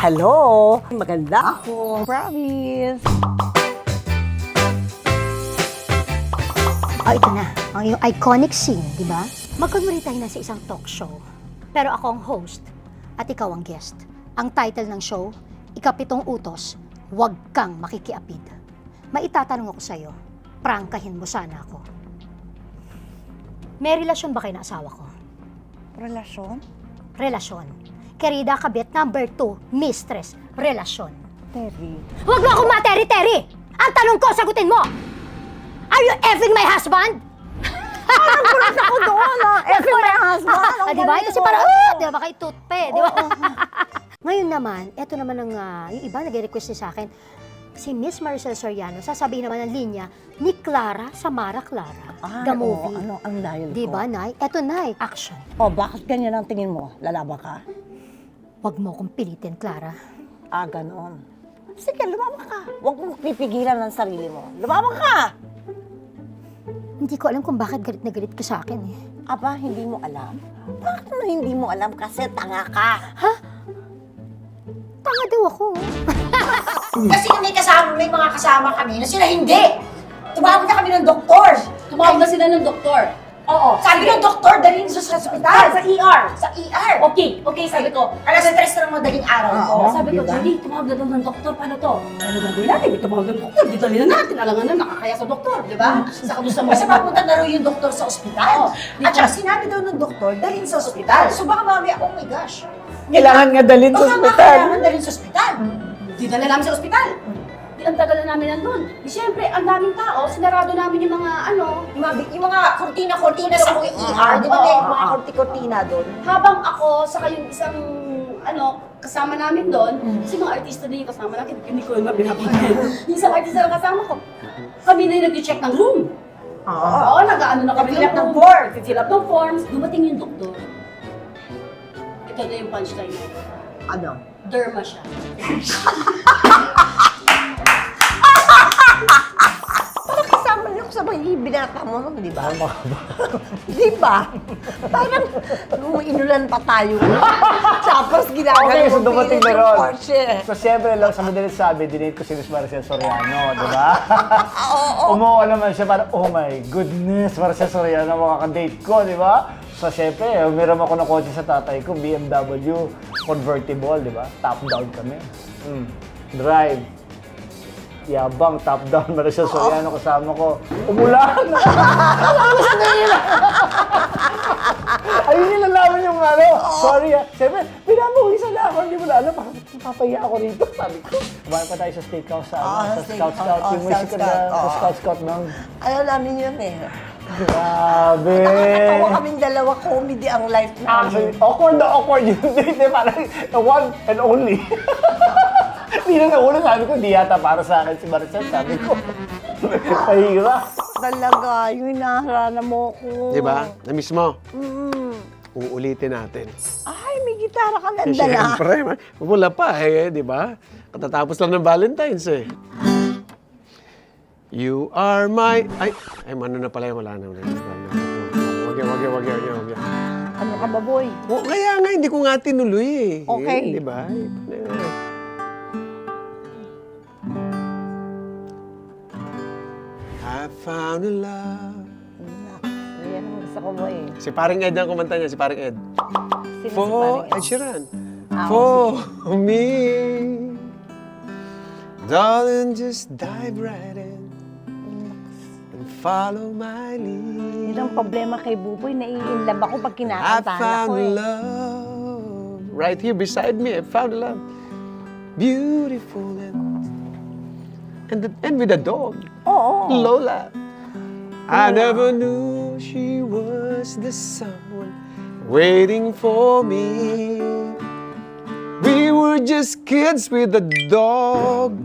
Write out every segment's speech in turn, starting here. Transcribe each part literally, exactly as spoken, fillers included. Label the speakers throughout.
Speaker 1: Hello! Maganda ako. Promise.
Speaker 2: Oh, ito na. Ang yung iconic scene, di ba? Magkunwari tayo na sa isang talk show. Pero ako ang host at ikaw ang guest. Ang title ng show, Ikapitong Utos, Huwag Kang Makikiapid. Maitatanong ako sa'yo, prangkahin mo sana ako. May relasyon ba kayo na asawa ko?
Speaker 1: Relasyon?
Speaker 2: Relasyon. Querida kabit, number two, mistress, relasyon.
Speaker 1: Terry.
Speaker 2: Huwag mo akong materi-teri! Ang tanong ko, sagutin mo! Are you effing my husband?
Speaker 1: Parang kulat ako doon, ah. Effing my husband.
Speaker 2: Ah, di ba? Kasi parang, ah, di ba kayo toothpe, di ba? Ngayon naman, eto naman ang, uh, yung iba nag-request sa akin, si Miss Maricel Soriano, sasabihin naman ang linya ni Clara Samara Clara,
Speaker 1: Ay,
Speaker 2: the movie.
Speaker 1: oo, ano ang dahil
Speaker 2: Di
Speaker 1: ko?
Speaker 2: ba, Nay? Eto, Nay, action.
Speaker 1: O, bakit ganyan ang tingin mo? Lalaba ka?
Speaker 2: Huwag mo akong pilitin, Clara.
Speaker 1: Ah, ganon. Sige, lumaba ka. Huwag mong pipigilan ng sarili mo. Lumaba ka!
Speaker 2: Hindi ko alam kung bakit galit na galit ka sa akin eh.
Speaker 1: Aba, hindi mo alam? Bakit mo hindi mo alam? Kasi tanga ka.
Speaker 2: Tanga daw ako.
Speaker 3: Kasi may kasama, may mga kasama kami na sila hindi. Tumawag na kami ng doktor.
Speaker 4: Tumawag na sila ng doktor.
Speaker 3: Oo. Sabi ng doktor, dalhin sa sa ospital. Sa E R. Sa E R.
Speaker 4: Okay, okay, sabi ko.
Speaker 3: Alas tres na ng madaling araw ko.
Speaker 1: Oo.
Speaker 4: Sabi ko,
Speaker 1: diba?
Speaker 4: Julie, tumawag na daw ng doktor. Paano to? Ano gagawin natin? May tumawag ng doktor. Dito na natin. Alangan na, nakakaya sa doktor, di ba? Sa kamusta mo.
Speaker 3: Kasi papunta na raw yung doktor sa ospital.
Speaker 4: Oo.
Speaker 3: At saka sinabi daw ng doktor, dalhin sa ospital. So baka mamaya, oh my gosh.
Speaker 1: Kailangan nga dalhin sa
Speaker 3: Baka nga
Speaker 1: ospital.
Speaker 3: kailangan dalhin sa ospital.
Speaker 4: Dinala namin sa ospital. Di ang tagal na namin nandun. Di syempre, ang daming tao, sinarado namin yung mga ano.
Speaker 3: Yung mga, yung mga kurtina-kurtina sa E R, di ba may mga kurti-kurtina doon?
Speaker 4: Habang ako, saka yung isang ano, kasama namin doon, kasi mga artista din yung kasama namin, hindi ko na binabigyan. Yung isang artista na kasama ko, kami na yung nag-check ng room.
Speaker 3: Oo.
Speaker 4: Oo, nag-ano na kami
Speaker 3: Nag-fill up ng
Speaker 4: room.
Speaker 3: form.
Speaker 4: Fill up ng forms. Dumating yung doktor. Ito na yung punchline niya.
Speaker 3: Ano?
Speaker 4: Derma siya.
Speaker 1: Parang kasama niyo sa mga binata mo, no? Di ba? Di ba? Parang nung inulan pa tayo. Tapos ginagawa
Speaker 5: Okay, so
Speaker 1: mo
Speaker 5: dumating
Speaker 1: pilit
Speaker 5: na
Speaker 1: yung
Speaker 5: ron.
Speaker 1: Porsche.
Speaker 5: So, siyempre lang sa madalit sabi, dinate ko si Miss Maricel Soriano, di ba?
Speaker 1: Oo.
Speaker 5: Umuha naman siya parang, oh my goodness, Maricel Soriano, makaka-date ko, di ba? So, siyempre, umiram ako ng kotse sa tatay ko, B M W convertible, di ba? Top down kami. Mm. Drive. Yabang, top down, Maricel Soriano kasama ko. Umulan! Ayun yung nalaman yung ano, sorry ah. Siyempre, pinapawisan na ako, hindi mo na alam, bakit papahiya ako rito, sabi ko. Kumain pa tayo sa steakhouse sa, ano,
Speaker 1: Ah,
Speaker 5: sa
Speaker 1: steak-
Speaker 5: Scout Scout,
Speaker 1: oh,
Speaker 5: yung
Speaker 1: Scout
Speaker 5: musical na,
Speaker 1: Scout,
Speaker 5: sa
Speaker 1: oo.
Speaker 5: Scout Scout nung,
Speaker 1: Ayaw namin yun eh.
Speaker 5: grabe.
Speaker 1: Nakakatawa kaming dalawa, comedy ang life
Speaker 5: Actually,
Speaker 1: namin.
Speaker 5: awkward na awkward yun, hindi, parang the one and only. Hindi na nauna, sabi ko, di yata para sa akin si Maricel, sabi ko. Pahira.
Speaker 1: Talaga, yung inaharana mo ko.
Speaker 6: Di ba? Na-miss mo.
Speaker 1: Mm.
Speaker 6: Uulitin natin.
Speaker 1: Ay, may gitara ka
Speaker 6: Eh,
Speaker 1: nandala.
Speaker 6: Siyempre, wala pa eh, di ba? Katatapos lang ng Valentine's eh. You are my... Ay, ay, ano na pala yung wala na. Wag yan, wag yan, wag yan, wag yan, wag yan.
Speaker 1: Ano ka ba, boy?
Speaker 6: O, kaya nga, hindi ko nga tinuloy eh.
Speaker 1: Okay.
Speaker 6: Eh, di ba? I found a love.
Speaker 1: Yan ang gusto ko, boy.
Speaker 6: Si paring Ed ang kumanta niya, si paring Ed.
Speaker 1: Sino si
Speaker 6: For
Speaker 1: paring
Speaker 6: Ed Sheeran.
Speaker 1: Ah,
Speaker 6: For me. Darling, just dive right in and follow my lead.
Speaker 1: Yun ang problema kay Buboy, nai-inlove ako pag
Speaker 6: I
Speaker 1: kinakantahan
Speaker 6: found
Speaker 1: ako eh.
Speaker 6: love right here beside me. I found love, beautiful and and, the, and with a dog,
Speaker 1: Oo.
Speaker 6: Lola. I never knew she was the someone waiting for me. We were just kids with a dog.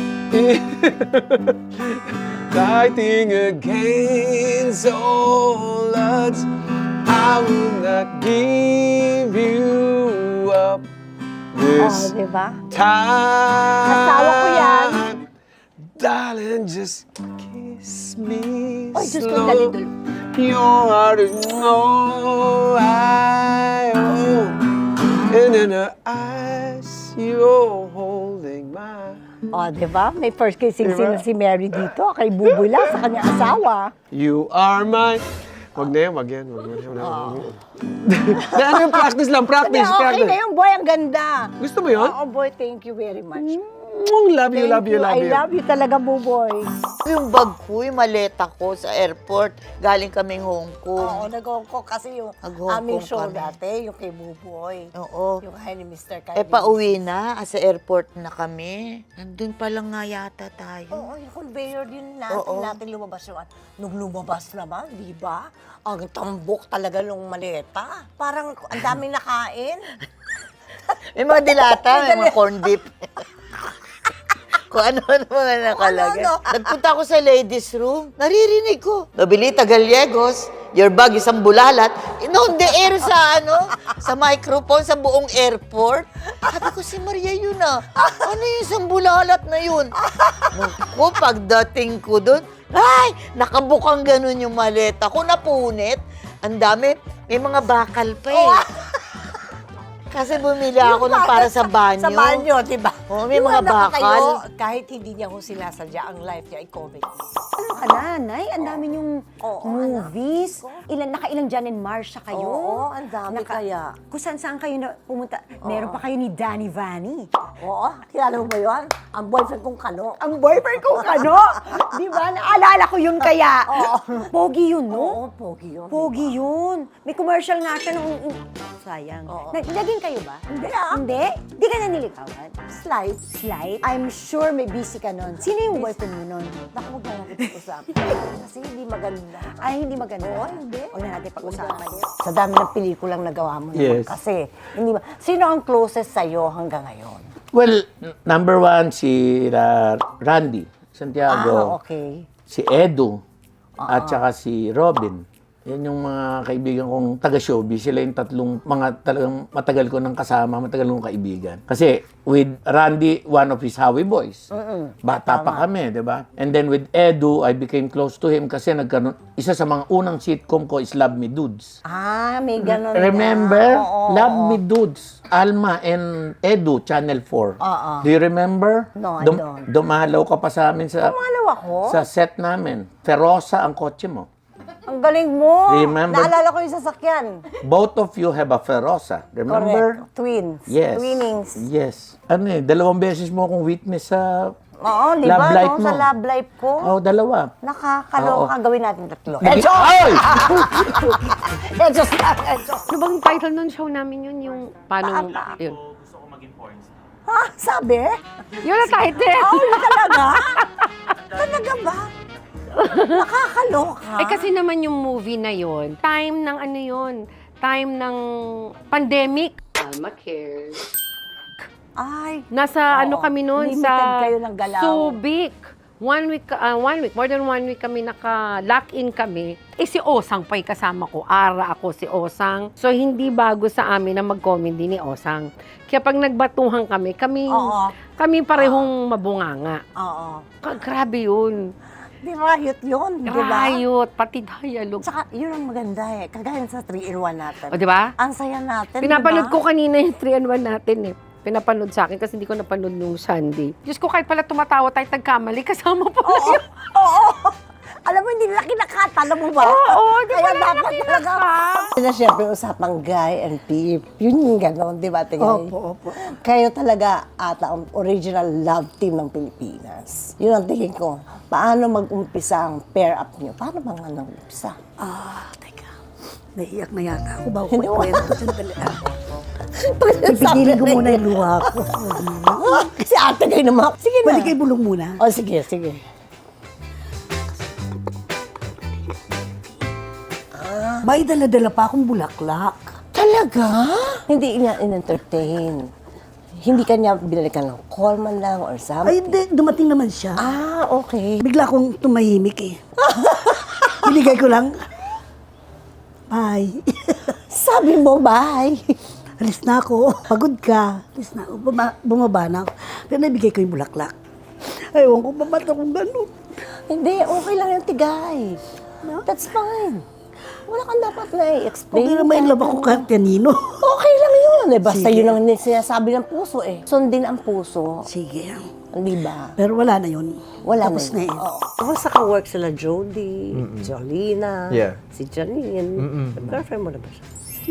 Speaker 6: Fighting against all odds. I will not give you up
Speaker 1: Oo,
Speaker 6: this
Speaker 1: di ba?
Speaker 6: time.
Speaker 1: Asawa ko yan.
Speaker 6: Darling, just kiss me
Speaker 1: Oy, Diyos ko,
Speaker 6: slow.
Speaker 1: dali, dali.
Speaker 6: Your heart is all I own. And in her eyes, you're holding my...
Speaker 1: O, di ba? May first kissing
Speaker 6: Diba?
Speaker 1: scene na si Mary dito kay Buboy lang sa kanyang asawa.
Speaker 6: You are my... Wag na yan, wag yan. Wag yan. Na, ano yung practice lang,
Speaker 1: Sabi,
Speaker 6: practice,
Speaker 1: okay
Speaker 6: practice.
Speaker 1: na yung boy, ang ganda.
Speaker 6: Gusto mo yun?
Speaker 1: Oo, boy, thank you very much.
Speaker 6: Mm, love you,
Speaker 1: Thank
Speaker 6: love you, love
Speaker 1: I
Speaker 6: you.
Speaker 1: love you talaga, Buboy.
Speaker 7: Yung bag ko, yung maleta ko sa airport, galing kaming Hong
Speaker 1: Oo,
Speaker 7: Kong.
Speaker 1: nag-Hong Kong kasi yung
Speaker 7: Nag-Hong
Speaker 1: aming
Speaker 7: Kong
Speaker 1: show
Speaker 7: kami.
Speaker 1: dati, yung kay Buboy.
Speaker 7: Oo.
Speaker 1: Yung kay ni mister Kylie.
Speaker 7: Eh, pauwi na. Sa airport na kami. Nandun pa lang nga yata tayo.
Speaker 1: Oo, yung conveyor din natin,
Speaker 7: Oo.
Speaker 1: natin lumabas yung... Nung lumabas naman, di ba? Ang tambok talaga ng maleta. Parang ang daming nakain.
Speaker 7: May mga dilata, may mga corned beef. Kung ano-ano mga nakalagay.
Speaker 1: Ano, ano?
Speaker 7: Nagpunta ako sa ladies' room, naririnig ko. Nobilita Gallegos, your bag isang bulalat. On the air sa ano, sa microphone sa buong airport. Sabi ko, si Maria yun ah. Ano yung isang bulalat na yun? Naku, pagdating ko doon, ay, nakabukang ganun yung maleta ko, napunit. Ang dami, may mga bakal pa eh. Kasi bumili ako ng para sa banyo.
Speaker 1: Sa banyo, di ba?
Speaker 7: Oo, may
Speaker 1: Yung
Speaker 7: mga
Speaker 1: nakatayo,
Speaker 7: bakal.
Speaker 1: kahit hindi niya ko sinasadya, ang life niya ay comedy.
Speaker 2: Ano ka na, Nay? Ang dami niyong
Speaker 1: Oo,
Speaker 2: movies. Ilan, nakailang Jan and Marsha kayo.
Speaker 1: Oo, ang dami kaya.
Speaker 2: Kung saan-saan kayo na pumunta. Meron pa kayo ni Danny Vanny.
Speaker 1: Oo, kilala mo ba yun? Ang boyfriend kong kano.
Speaker 2: Ang boyfriend ko, ano? Di ba? Naalala ko yun kaya. Pogi yun, no?
Speaker 1: Oo, pogi yun.
Speaker 2: Pogi yun. May commercial nga siya nung... Sayang.
Speaker 1: Oo.
Speaker 2: Na, naging kayo ba?
Speaker 1: Hindi ah.
Speaker 2: Hindi? Di ka na nilikawan?
Speaker 1: Slide.
Speaker 2: Slight? I'm sure may busy ka nun. Sino yung boyfriend mo nun?
Speaker 1: Naku, huwag na natin pag-usapan. Kasi hindi maganda.
Speaker 2: Ay, hindi maganda.
Speaker 1: Oo, hindi.
Speaker 2: Huwag na natin pag-usapan.
Speaker 1: Sa dami ng pelikulang nagawa mo naman
Speaker 6: Yes.
Speaker 1: kasi. Hindi ba? Sino ang closest sa'yo hanggang ngayon?
Speaker 8: Well, n- number one, si uh, Randy Santiago,
Speaker 1: Ah, okay.
Speaker 8: si Edu, at saka si Robin. Yan yung mga kaibigan kong taga-showbiz. Sila yung tatlong mga talagang matagal ko nang kasama, matagal kong kaibigan. Kasi with Randy, one of his Howie boys. Bata pa kami, di ba? And then with Edu, I became close to him kasi nagkaroon, isa sa mga unang sitcom ko is Love Me Dudes.
Speaker 1: Ah, may ganon
Speaker 8: Remember?
Speaker 1: na. Oo,
Speaker 8: Love
Speaker 1: oo.
Speaker 8: Me Dudes. Alma and Edu, Channel four.
Speaker 1: Oo.
Speaker 8: Do you remember?
Speaker 1: No, I
Speaker 8: Dum-
Speaker 1: don't.
Speaker 8: Dumalaw ka pa sa amin sa
Speaker 1: Pumalaw ako?
Speaker 8: sa set namin. Ferosa ang kotse mo.
Speaker 1: Ang galing mo.
Speaker 8: Remember?
Speaker 1: Naalala ko yung sasakyan.
Speaker 8: Both of you have a Ferosa. Remember?
Speaker 1: Correct. Twins.
Speaker 8: Yes.
Speaker 1: Twinnings.
Speaker 8: Yes. Ano eh, dalawang beses mo akong witness sa
Speaker 1: Oo, di
Speaker 8: love
Speaker 1: ba?
Speaker 8: life
Speaker 1: No?
Speaker 8: mo.
Speaker 1: Sa love life ko.
Speaker 8: Oh, dalawa.
Speaker 1: Nakakaloka. Gawin natin tatlo.
Speaker 8: Ay!
Speaker 1: Etos lang, etos.
Speaker 9: Ano bang title ng show namin yun? Yung paano, yun.
Speaker 1: Ha? Sabi?
Speaker 9: Yun ang title!
Speaker 1: Oh, yun talaga? Talaga ba? Nakakaloka.
Speaker 9: Eh kasi naman yung movie na yun, time ng ano yun, time ng pandemic. Alma Cares.
Speaker 1: Ay.
Speaker 9: Nasa
Speaker 1: Oo.
Speaker 9: ano kami noon
Speaker 1: Limited
Speaker 9: sa
Speaker 1: kayo ng galaw.
Speaker 9: Subic. One week, ah, one week, more than one week kami naka-lock-in kami. Eh si Osang pa'y kasama ko. Ara ako si Osang. So hindi bago sa amin na mag-comedy ni Osang. Kaya pag nagbatuhan kami, kami,
Speaker 1: Oo.
Speaker 9: kami parehong mabunganga.
Speaker 1: Oo.
Speaker 9: Ka- Grabe yun.
Speaker 1: Di riot yun, di ba?
Speaker 9: Riot, pati dialogue.
Speaker 1: Tsaka, yun ang maganda eh. Kagaya sa three in one natin.
Speaker 9: O, di ba?
Speaker 1: Ang saya natin,
Speaker 9: Pinapanood
Speaker 1: di ba?
Speaker 9: ko kanina yung three and one natin eh. Pinapanood sa akin kasi hindi ko napanood nung Sunday. Diyos ko, kahit pala tumatawa tayo tagkamali, kasama pa
Speaker 1: Oo, oo. Alam mo, hindi nila kinakat. Alam mo ba?
Speaker 9: Oo, di ba
Speaker 1: Kaya
Speaker 9: nila
Speaker 1: dapat talaga. Yun na siyempre usapang Guy and Pip. Yun yung gano'n, di ba, Tingay?
Speaker 2: Opo, opo.
Speaker 1: Kayo talaga ata ang original love team ng Pilipinas. Yun ang tingin ko. Paano mag-umpisa ang pair up niyo? Paano ba nga nag-umpisa?
Speaker 2: Ah, teka. Naiiyak na yata ako bago
Speaker 1: Hindi,
Speaker 2: ko kwento. Sandali.
Speaker 1: Pipigilin
Speaker 2: ko muna yung luha ko.
Speaker 1: Kasi ate kayo naman. Sige na.
Speaker 2: Pwede kayo bulong muna.
Speaker 1: O, sige, sige.
Speaker 2: May dala-dala pa akong bulaklak.
Speaker 1: Talaga? Hindi niya in-entertain. Hindi kanya binalikan ng call man lang or something.
Speaker 10: Ay, hindi. Dumating naman siya.
Speaker 1: Ah, okay.
Speaker 10: Bigla akong tumahimik eh. Binigay ko lang. Bye.
Speaker 1: Sabi mo, bye.
Speaker 10: Alis na ako. Pagod ka. Alis na ako. Buma- bumaba na ako. Pero nabigay ko yung bulaklak. Ewan ko, ba't akong ganun?
Speaker 1: Hindi, okay lang yung tigay. That's fine. Wala kang dapat na i-explain.
Speaker 10: Okay naman yung love ako kahit kanino.
Speaker 1: Okay lang yun. yun eh. Basta
Speaker 10: Sige.
Speaker 1: yun ang sinasabi ng puso eh. Sundin ang puso.
Speaker 10: Sige.
Speaker 1: Di ba?
Speaker 10: Pero wala na yun.
Speaker 1: Wala
Speaker 10: Tapos na,
Speaker 1: na
Speaker 10: eh.
Speaker 1: Oo. Tapos naka-work sila Jody, Jolina,
Speaker 6: Yeah.
Speaker 1: si Janine. Girlfriend mo na ba siya?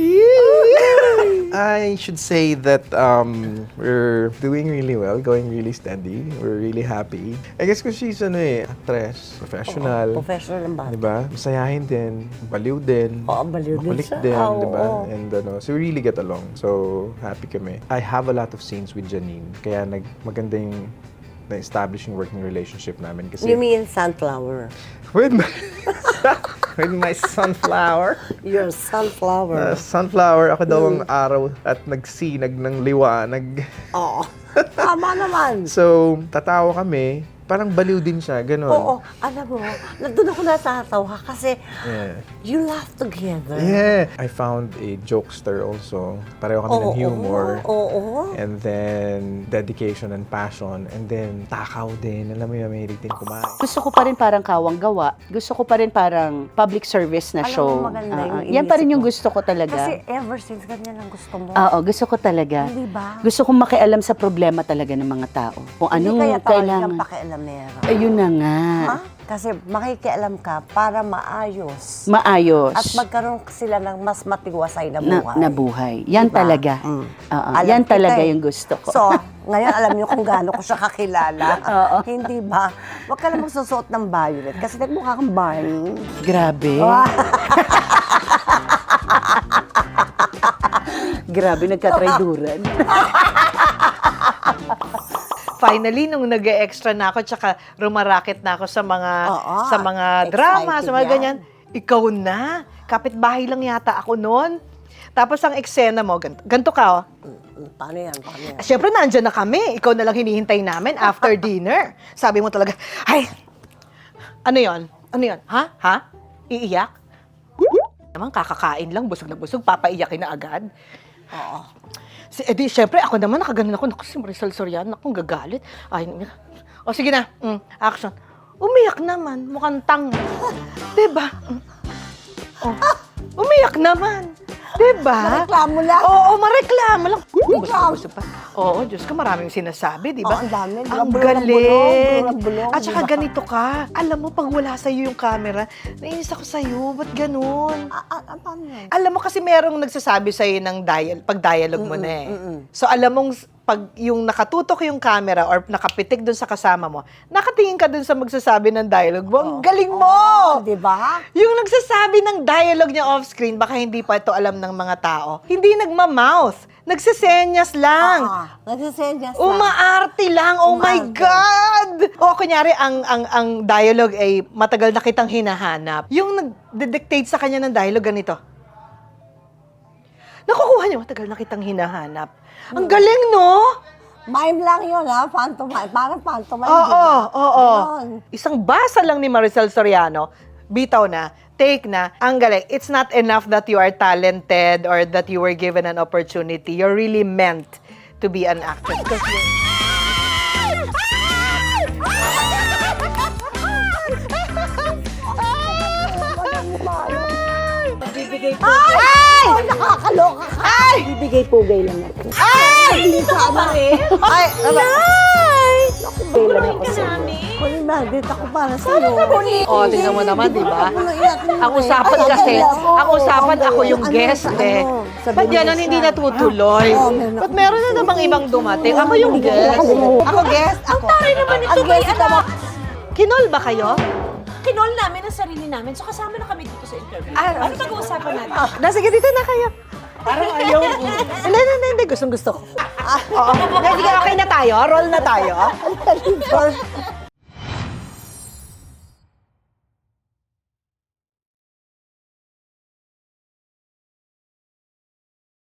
Speaker 6: I should say that um, we're doing really well, going really steady. We're really happy. I guess because she's ano eh, actress, professional.
Speaker 1: Professional ang bata.
Speaker 6: Diba? Masayahin din, baliw din.
Speaker 1: Oo, baliw din
Speaker 6: makulit
Speaker 1: siya.
Speaker 6: din,
Speaker 1: Oo,
Speaker 6: diba?
Speaker 1: oo.
Speaker 6: And ano, so we really get along. So, happy kami. I have a lot of scenes with Janine. Kaya nag maganda yung na-establishing working relationship namin. Kasi
Speaker 1: You mean sunflower?
Speaker 6: with my, with my sunflower.
Speaker 1: You're a sunflower.
Speaker 6: Uh, sunflower, ako daw ang araw at nagsinag ng liwanag.
Speaker 1: Oo. Tama naman.
Speaker 6: So, tatawa kami. Parang baliw din siya, gano'n.
Speaker 1: Oo, alam mo, nandun ako natatawa kasi
Speaker 6: Yeah.
Speaker 1: you laugh together.
Speaker 6: Yeah. I found a jokester also. Pareho kami ng humor.
Speaker 1: Oo, oo.
Speaker 6: And then, dedication and passion. And then, takaw din. Alam mo yung mahilig din kumain.
Speaker 11: Gusto ko pa rin parang kawang gawa. Gusto ko pa rin parang public service na
Speaker 1: Alam mo,
Speaker 11: show.
Speaker 1: maganda
Speaker 11: Ah,
Speaker 1: yung
Speaker 11: ah. Yan pa rin
Speaker 1: inisip
Speaker 11: yung
Speaker 1: mo.
Speaker 11: gusto ko talaga.
Speaker 1: Kasi ever since ganyan ang gusto mo.
Speaker 11: Oo, gusto ko talaga.
Speaker 1: Hindi ba?
Speaker 11: Gusto kong makialam sa problema talaga ng mga tao. Kung
Speaker 1: Hindi
Speaker 11: anong
Speaker 1: kaya tawag
Speaker 11: kailangan.
Speaker 1: kang pakialamera.
Speaker 11: Ayun na nga.
Speaker 1: Ha? Kasi makikialam ka para maayos.
Speaker 11: Maayos.
Speaker 1: At magkaroon sila ng mas matiwasay na
Speaker 11: na,
Speaker 1: buhay.
Speaker 11: na buhay. Yan
Speaker 1: Diba?
Speaker 11: talaga.
Speaker 1: Mm.
Speaker 11: Oo,
Speaker 1: Alam
Speaker 11: yan
Speaker 1: kita
Speaker 11: talaga
Speaker 1: eh.
Speaker 11: yung gusto ko.
Speaker 1: So, ngayon alam niyo kung gaano ko siya kakilala.
Speaker 11: Oo.
Speaker 1: Hindi ba? Huwag ka lang magsusuot ng violet kasi nagmukha kang Barney.
Speaker 11: Grabe. Grabe, nagkatrayduran.
Speaker 12: Finally, nung nag-extra na ako, tsaka rumaraket na ako sa mga
Speaker 1: Oo,
Speaker 12: sa mga drama,
Speaker 1: excited
Speaker 12: sa mga
Speaker 1: yan.
Speaker 12: ganyan, ikaw na. Kapitbahay lang yata ako noon. Tapos ang eksena mo, ganito, ganito ka, oh.
Speaker 1: Mm, Paano yan? Paano yan?
Speaker 12: Siyempre, nandyan na kami. Ikaw na lang hinihintay namin after dinner. Sabi mo talaga, ay, ano yon? Ano yon? Ha? Ha? Iiyak? Naman, kakakain lang, busog na busog, papaiyakin na agad.
Speaker 1: Oo.
Speaker 12: Si, edi, syempre, ako naman, nakaganon ako. Naku, si Marisol Soriano, naku, gagalit. Ay, o sige na, mm, action. Umiyak naman, mukhang tang. Diba? Mm. Oh, umiyak naman. Diba?
Speaker 1: Mareklamo lang.
Speaker 12: Oo, mareklamo lang.
Speaker 1: Reklamo.
Speaker 12: Gusto pa. Oo, Diyos ko, maraming sinasabi, di ba?
Speaker 1: Oo, ang dami.
Speaker 12: Ang
Speaker 1: Bulong ng
Speaker 12: galing.
Speaker 1: bulong, bulong ng bulong,
Speaker 12: At saka
Speaker 1: diba?
Speaker 12: ganito ka. Alam mo, pag wala sa'yo yung camera, nainis ako sa'yo. Ba't ganun?
Speaker 1: Ah, ah, ah, paano yan?
Speaker 12: Alam mo kasi merong nagsasabi sa'yo ng dial, pag dialogue mo na eh.
Speaker 1: mm-mm.
Speaker 12: So alam mong s- pag yung nakatutok yung camera or nakapitik dun sa kasama mo, nakatingin ka dun sa magsasabi ng dialogue mo. Ang galing mo!
Speaker 1: Oh, di ba?
Speaker 12: Yung nagsasabi ng dialogue niya off-screen, baka hindi pa ito alam ng mga tao. Hindi nagma-mouth. Nagsisenyas lang.
Speaker 1: Ah, nagsisenyas lang.
Speaker 12: Umaarte lang. Oh my
Speaker 1: Umaarte.
Speaker 12: God! O kunyari, ang, ang, ang dialogue ay matagal na kitang hinahanap. Yung nag-dictate sa kanya ng dialogue, ganito. Nakukuha niya, matagal na kitang hinahanap. Ang galing, no?
Speaker 1: Mime lang yun, ha? Pantomime. Parang pantomime,
Speaker 12: Oo,
Speaker 1: di ba?
Speaker 12: oo.
Speaker 1: Yun.
Speaker 12: Isang basa lang ni Maricel Soriano, bitaw na, take na, ang galing. It's not enough that you are talented or that you were given an opportunity. You're really meant to be an actress. Because you're-
Speaker 1: Ay! Ay! Nakakaloka ka! Ay!
Speaker 11: Bibigay pugay lang ako.
Speaker 1: Ay! Hindi ka ba? Ay! Ay! Pugay lang ako sa iyo. Kunin na, dito ako para sa iyo.
Speaker 12: Oh, tingnan mo naman, di ba? Ang usapan kasi, ang usapan ako yung guest eh. Ba't yan ang hindi natutuloy? Ba't meron na namang ibang dumating? Ako yung guest.
Speaker 1: Ako guest, ako. Ang tari naman ito, may anak.
Speaker 12: Kinol ba kayo?
Speaker 4: Kinol namin ang sarili namin, so kasama na kami dito sa interview.
Speaker 12: Ah,
Speaker 4: Ano pag-uusapan natin?
Speaker 12: Na, sige, dito na kayo. Parang ayaw. Hindi, hindi, hindi. Gustong gusto ko. Oo. Sige, okay na tayo? Roll na tayo?